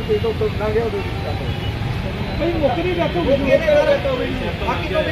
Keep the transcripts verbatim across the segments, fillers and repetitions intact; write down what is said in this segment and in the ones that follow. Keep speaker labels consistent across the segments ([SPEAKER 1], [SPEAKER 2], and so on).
[SPEAKER 1] ਪੇਟ ਉੱਤੇ ਲੰਘ ਗਿਆ ਉਹਦੇ
[SPEAKER 2] ਭਾਈ ਮੌਕੇ ਦੀ ਡੈਥ ਹੋ ਗਈ
[SPEAKER 1] ਮੌਕੇ ਤੇ ਬਾਕੀ ਤੋਂ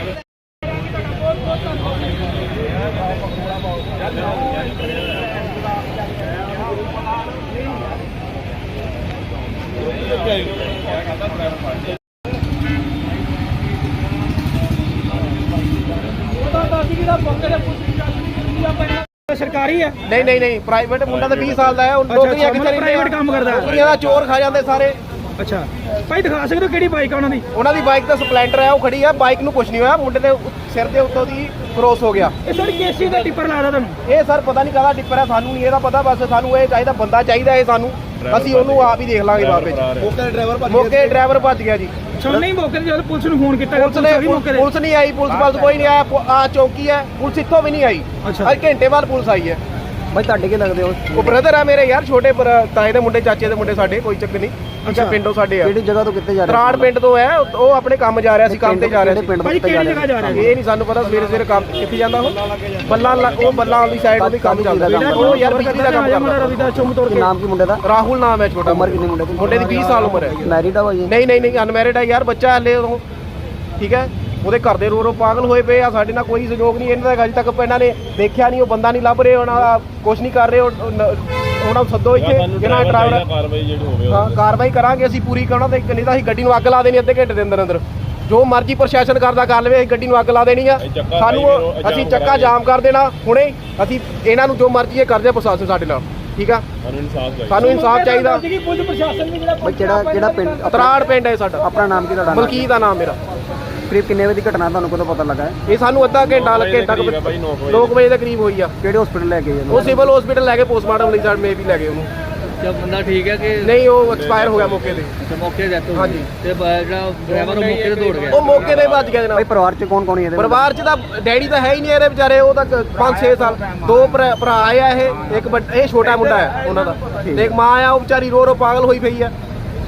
[SPEAKER 2] ਸਰਕਾਰੀ ਹੈ?
[SPEAKER 1] ਨਹੀਂ ਨਹੀਂ ਨਹੀਂ ਪ੍ਰਾਈਵੇਟ ਮੁੰਡਾ ਤਾਂ ਵੀਹ ਸਾਲ ਦਾ ਹੈ। ਨੌਕਰੀਆਂ ਕਿੱਥੇ ਰਹਿੰਦੀਆਂ?
[SPEAKER 2] ਪ੍ਰਾਈਵੇਟ ਕੰਮ ਕਰਦਾ ਹੈ।
[SPEAKER 1] ਨੌਕਰੀਆਂ ਦਾ ਚੋਰ ਖਾ ਜਾਂਦੇ ਸਾਰੇ।
[SPEAKER 2] ਅੱਛਾ ਭਾਈ ਦਿਖਾ ਸਕਦੇ ਹੋ ਕਿਹੜੀ ਬਾਈਕ ਆ ਉਹਨਾਂ ਦੀ?
[SPEAKER 1] ਉਹਨਾਂ ਦੀ ਬਾਈਕ ਤਾਂ ਸਪਲੈਂਡਰ ਹੈ, ਉਹ ਖੜੀ ਹੈ। ਬਾਈਕ ਨੂੰ ਕੁਝ ਨਹੀਂ ਹੋਇਆ, ਮੁੰਡੇ ਦੇ ਸਿਰ ਦੇ ਉੱਤੋਂ ਦੀ ਕ੍ਰੋਸ ਹੋ ਗਿਆ।
[SPEAKER 2] ਇਹ ਸਰ ਕੇਸੀ ਦਾ ਟਿੱਪਰ ਲਾਦਾ ਤੁਹਾਨੂੰ?
[SPEAKER 1] ਇਹ ਸਰ ਪਤਾ ਨਹੀਂ ਕਾਹਦਾ ਟਿੱਪਰ ਹੈ, ਸਾਨੂੰ ਨਹੀਂ ਇਹਦਾ ਪਤਾ। ਬਸ ਸਾਨੂੰ ਇਹ ਚਾਹੀਦਾ, ਬੰਦਾ ਚਾਹੀਦਾ ਇਹ ਸਾਨੂੰ, ਅਸੀਂ ਉਹਨੂੰ ਆਪ ਹੀ ਦੇਖ ਲਾਂਗੇ ਬਾਅਦ ਵਿੱਚ। ਮੌਕੇ ਡਰਾਈਵਰ ਮੌਕੇ ਡਰਾਈਵਰ ਭੱਜ ਗਿਆ ਜੀ।
[SPEAKER 2] ਅੱਛਾ ਨਹੀਂ ਮੌਕੇ ਤੇ ਜਦੋਂ ਪੁਲਿਸ ਨੂੰ ਫੋਨ ਕੀਤਾ
[SPEAKER 1] ਪੁਲਿਸ ਨੇ ਪੁਲਿਸ ਨਹੀਂ ਆਈ, ਪੁਲਿਸ ਵੱਲ ਕੋਈ ਨਹੀਂ ਆਇਆ। ਆ ਚੌਕੀ ਹੈ, ਪੁਲਿਸ ਇੱਥੋਂ ਵੀ ਨਹੀਂ ਆਈ।
[SPEAKER 2] ਅੱਛਾ
[SPEAKER 1] ਅੱਜ ਘੰਟੇ ਬਾਅਦ ਪੁਲਿਸ ਆਈ ਹੈ।
[SPEAKER 2] ਭਾਈ ਤੁਹਾਡੇ ਕੀ ਲੱਗਦੇ ਹੋ?
[SPEAKER 1] ਉਹ ਬ੍ਰਦਰ ਆ ਮੇਰੇ ਯਾਰ, ਛੋਟੇ ਤਾਏ ਦੇ ਮੁੰਡੇ, ਚਾਚੇ ਦੇ ਮੁੰਡੇ ਸਾਡੇ, ਕੋਈ ਚੱਕਰ ਨਹੀਂ। ਅੱਛਾ ਪਿੰਡੋਂ ਸਾਡੇ ਆ।
[SPEAKER 2] ਕਿਹੜੀ ਜਗ੍ਹਾ ਤੋਂ ਕਿੱਥੇ ਜਾ ਰਹੇ?
[SPEAKER 1] ਤਰਾੜ ਪਿੰਡ ਤੋਂ ਹੈ, ਉਹ ਆਪਣੇ ਕੰਮ ਜਾ ਰਿਹਾ ਸੀ, ਕੰਮ ਤੇ ਜਾ ਰਿਹਾ ਸੀ।
[SPEAKER 2] ਭਾਈ ਕਿਹੜੀ ਜਗ੍ਹਾ ਜਾ ਰਿਹਾ?
[SPEAKER 1] ਇਹ ਨਹੀਂ ਸਾਨੂੰ ਪਤਾ। ਸਵੇਰੇ ਸਵੇਰੇ ਕੰਮ ਕਿੱਥੇ ਜਾਂਦਾ ਉਹ? ਬੱਲਾ ਉਹ ਬੱਲਾ ਵਾਲੀ ਸਾਈਡ ਉਹਦੀ ਕੰਮ ਚੱਲਦਾ। ਉਹ ਯਾਰ ਬਿਜਲੀ ਦਾ ਕੰਮ ਕਰਦਾ।
[SPEAKER 2] ਰਵਿਦਾਸ ਚੌਂਕ ਤੋੜ ਕੇ।
[SPEAKER 3] ਨਾਮ ਕੀ ਮੁੰਡੇ ਦਾ?
[SPEAKER 1] ਰਾਹੁਲ ਨਾਮ ਹੈ। ਛੋਟਾ
[SPEAKER 3] ਉਮਰ ਕਿੰਨੀ ਮੁੰਡੇ ਦੀ?
[SPEAKER 1] ਮੁੰਡੇ ਦੀ ਵੀਹ ਸਾਲ ਉਮਰ ਹੈ।
[SPEAKER 3] ਮੈਰਿਡ ਆ ਭਾਈ?
[SPEAKER 1] ਨਹੀਂ ਨਹੀਂ ਨਹੀਂ ਅਨਮੈਰਿਡ ਹੈ ਯਾਰ, ਬੱਚਾ ਹਲੇ ਉਹ। ਠੀਕ ਹੈ, ਉਹਦੇ ਘਰ ਦੇ ਰੋ ਰੋ ਪਾਗਲ ਹੋਏ ਪਏ ਆ। ਸਾਡੇ ਨਾਲ ਕੋਈ ਸਹਿਯੋਗ ਨਹੀਂ ਇਹਨਾਂ ਦਾ। ਅਜੇ ਤੱਕ ਇਹਨਾਂ ਨੇ ਦੇਖਿਆ ਨਹੀਂ, ਉਹ ਬੰਦਾ ਨਹੀਂ ਲੱਭ ਰਹੇ, ਉਹਨਾਂ ਦਾ ਕੁਛ ਨਹੀਂ ਕਰ ਰਹੇ। ਉਹਨਾਂ ਨੂੰ ਸੱਦੋ ਇੱਥੇ, ਜਿਹਨਾਂ ਡਰਾਈਵਰ ਕਾਰਵਾਈ ਜਿਹੜੀ ਹੋਵੇ ਹਾਂ ਕਾਰਵਾਈ ਕਰਾਂਗੇ ਅਸੀਂ ਪੂਰੀ। ਕਰਨਾ ਤੇ ਨਹੀਂ ਤਾਂ ਅਸੀਂ ਗੱਡੀ ਨੂੰ ਅੱਗ ਲਾ ਦੇਣੀ ਅੱਧੇ ਘੰਟੇ ਦੇ ਅੰਦਰ ਅੰਦਰ। ਜੋ ਮਰਜ਼ੀ ਪ੍ਰਸ਼ਾਸਨ ਕਰਦਾ ਕਰ ਲਵੇ, ਅਸੀਂ ਗੱਡੀ ਨੂੰ ਅੱਗ ਲਾ ਦੇਣੀ ਆ। ਸਾਨੂੰ ਅਸੀਂ ਚੱਕਾ ਜਾਮ ਕਰ ਦੇਣਾ ਹੁਣੇ। ਅਸੀਂ ਇਹਨਾਂ ਨੂੰ ਜੋ ਮਰਜ਼ੀ ਇਹ ਕਰਦੇ ਪ੍ਰਸ਼ਾਸਨ ਸਾਡੇ ਨਾਲ। ਠੀਕ ਆ, ਸਾਨੂੰ ਇਨਸਾਫ ਚਾਹੀਦਾ।
[SPEAKER 2] ਪੁਲਿਸ ਪ੍ਰਸ਼ਾਸਨ ਵੀ ਜਿਹੜਾ
[SPEAKER 3] ਕਿਹੜਾ ਕਿਹੜਾ ਪਿੰਡ?
[SPEAKER 1] ਤਰਾੜ ਪਿੰਡ ਹੈ ਸਾਡਾ।
[SPEAKER 3] ਆਪਣਾ ਨਾਮ ਕੀ ਤੁਹਾਡਾ?
[SPEAKER 1] ਮਲਕੀਤ ਦਾ ਨਾਮ ਮੇਰਾ।
[SPEAKER 3] ਕਰੀਬ ਕਿੰਨੇ ਵਜੇ ਦੀ ਘਟਨਾ, ਤੁਹਾਨੂੰ ਕਦੋਂ ਪਤਾ ਲੱਗਾ?
[SPEAKER 1] ਇਹ ਸਾਨੂੰ ਅੱਧਾ ਘੰਟਾ ਲੱਗੇ ਤੱਕ ਨੌ ਵਜੇ ਦੇ ਕਰੀਬ ਹੋਈ ਆ।
[SPEAKER 3] ਕਿਹੜੇ ਹਸਪੀਟਲ ਲੈ ਕੇ ਗਏ?
[SPEAKER 1] ਉਹ ਸਿਵਲ ਹਸਪੀਟਲ ਲੈ ਕੇ ਪੋਸਟਮਾਰਟਮ ਲਈ ਸਾਡੇ ਮੇ ਵੀ ਲੈ ਗਏ ਉਹਨੂੰ।
[SPEAKER 4] ਜਦ ਬੰਦਾ ਠੀਕ ਹੈ ਕਿ
[SPEAKER 1] ਨਹੀਂ, ਉਹ ਐਕਸਪਾਇਰ ਹੋ ਗਿਆ ਮੌਕੇ ਤੇ।
[SPEAKER 4] ਤੇ ਮੌਕੇ ਤੇ ਡੈਥ ਹੋ ਗਈ।
[SPEAKER 1] ਹਾਂਜੀ।
[SPEAKER 4] ਤੇ ਜਿਹੜਾ ਡਰਾਈਵਰ ਉਹ ਮੌਕੇ ਤੇ ਦੌੜ ਗਿਆ।
[SPEAKER 1] ਉਹ ਮੌਕੇ ਤੇ ਭੱਜ ਗਿਆ
[SPEAKER 3] ਭਾਈ
[SPEAKER 1] ਜਨਾਬ।
[SPEAKER 3] ਪਰਿਵਾਰ ਚ ਕੌਣ ਕੌਣ ਹੈ ਇਹਦੇ?
[SPEAKER 1] ਪਰਿਵਾਰ ਚ ਤਾਂ ਡੈਡੀ ਤਾਂ ਹੈ ਹੀ ਨਹੀਂ ਇਹਦੇ ਵਿਚਾਰੇ। ਉਹ ਤਾਂ ਪੰਜ ਛੇ ਸਾਲ ਦੋ ਭਰਾ ਭਰਾ ਆ ਇਹ। ਇੱਕ ਵੱਡ- ਇਹ ਛੋਟਾ ਮੁੰਡਾ ਹੈ ਉਹਨਾਂ ਦਾ, ਤੇ ਇੱਕ ਮਾਂ ਆ, ਉਹ ਵਿਚਾਰੀ ਰੋ ਰੋ ਪਾਗਲ ਹੋਈ ਪਈ ਆ।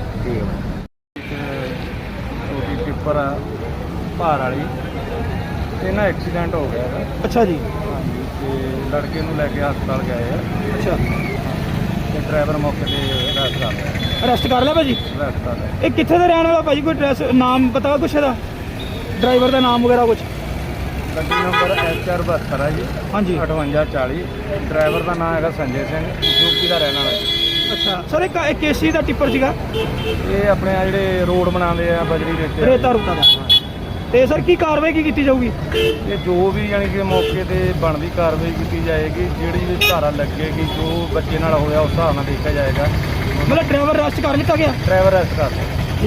[SPEAKER 5] ਉਹਦੀ ਟਿੱਪਰ ਆ ਭਾਰ ਵਾਲੀ, ਇਹਨਾਂ ਐਕਸੀਡੈਂਟ ਹੋ ਗਿਆ ਹੈ।
[SPEAKER 2] ਅੱਛਾ ਜੀ।
[SPEAKER 5] ਹਾਂਜੀ, ਤੇ ਲੜਕੇ ਨੂੰ ਲੈ ਕੇ ਹਸਪਤਾਲ ਗਏ ਆ।
[SPEAKER 2] ਅੱਛਾ
[SPEAKER 5] ਤੇ ਡਰਾਈਵਰ ਮੌਕੇ ਤੇ ਅਰੈਸਟ ਕਰ ਲਿਆ।
[SPEAKER 2] ਅਰੈਸਟ ਕਰ ਲਿਆ ਭਾਜੀ?
[SPEAKER 5] ਅਰੈਸਟ ਕਰ ਲਿਆ।
[SPEAKER 2] ਇਹ ਕਿੱਥੇ ਦਾ ਰਹਿਣ ਵਾਲਾ ਭਾਜੀ? ਕੋਈ ਐਡਰੈਸ ਨਾਮ ਪਤਾ ਕੁਛ ਇਹਦਾ? ਡਰਾਈਵਰ ਦਾ ਨਾਮ ਵਗੈਰਾ ਕੁਛ?
[SPEAKER 5] ਗੱਡੀ ਨੰਬਰ ਐਚ ਆਰ ਬਹੱਤਰ ਹੈ ਜੀ।
[SPEAKER 2] ਹਾਂਜੀ।
[SPEAKER 5] ਅਠਵੰਜਾ ਚਾਲੀ। ਡਰਾਈਵਰ ਦਾ ਨਾਮ ਹੈਗਾ ਸੰਜੇ ਸਿੰਘ, ਯੂਪੀ ਦਾ ਰਹਿਣ ਵਾਲਾ ਜੀ।
[SPEAKER 2] ਅੱਛਾ ਸਰ, ਇੱਕ ਇੱਕ ਕੇਸੀ ਦਾ ਟਿੱਪਰ ਸੀਗਾ?
[SPEAKER 5] ਇਹ ਆਪਣੇ ਆ ਜਿਹੜੇ ਰੋਡ ਬਣਾਉਂਦੇ ਆ ਬਜਰੀ ਰੇਤੇ
[SPEAKER 2] ਰੇਤਾ ਰੁਕਾ ਦਾ। ਤੇ ਸਰ ਕੀ ਕਾਰਵਾਈ ਕੀ ਕੀਤੀ ਜਾਊਗੀ?
[SPEAKER 5] ਇਹ ਜੋ ਵੀ ਯਾਨੀ ਕਿ ਮੌਕੇ ਤੇ ਬਣਦੀ ਕਾਰਵਾਈ ਕੀਤੀ ਜਾਏਗੀ। ਜਿਹੜੀ ਵੀ ਧਾਰਾ ਲੱਗੇਗੀ, ਜੋ ਬੱਚੇ ਨਾਲ ਹੋਇਆ ਉਸ ਹਿਸਾਬ ਨਾਲ ਦੇਖਿਆ ਜਾਏਗਾ।
[SPEAKER 2] ਮਤਲਬ ਡਰਾਈਵਰ ਅਰੈਸਟ ਕਰ ਲਿੱਤਾ ਗਿਆ?
[SPEAKER 5] ਡਰਾਈਵਰ ਅਰੈਸਟ ਕਰ ਲਿਆ।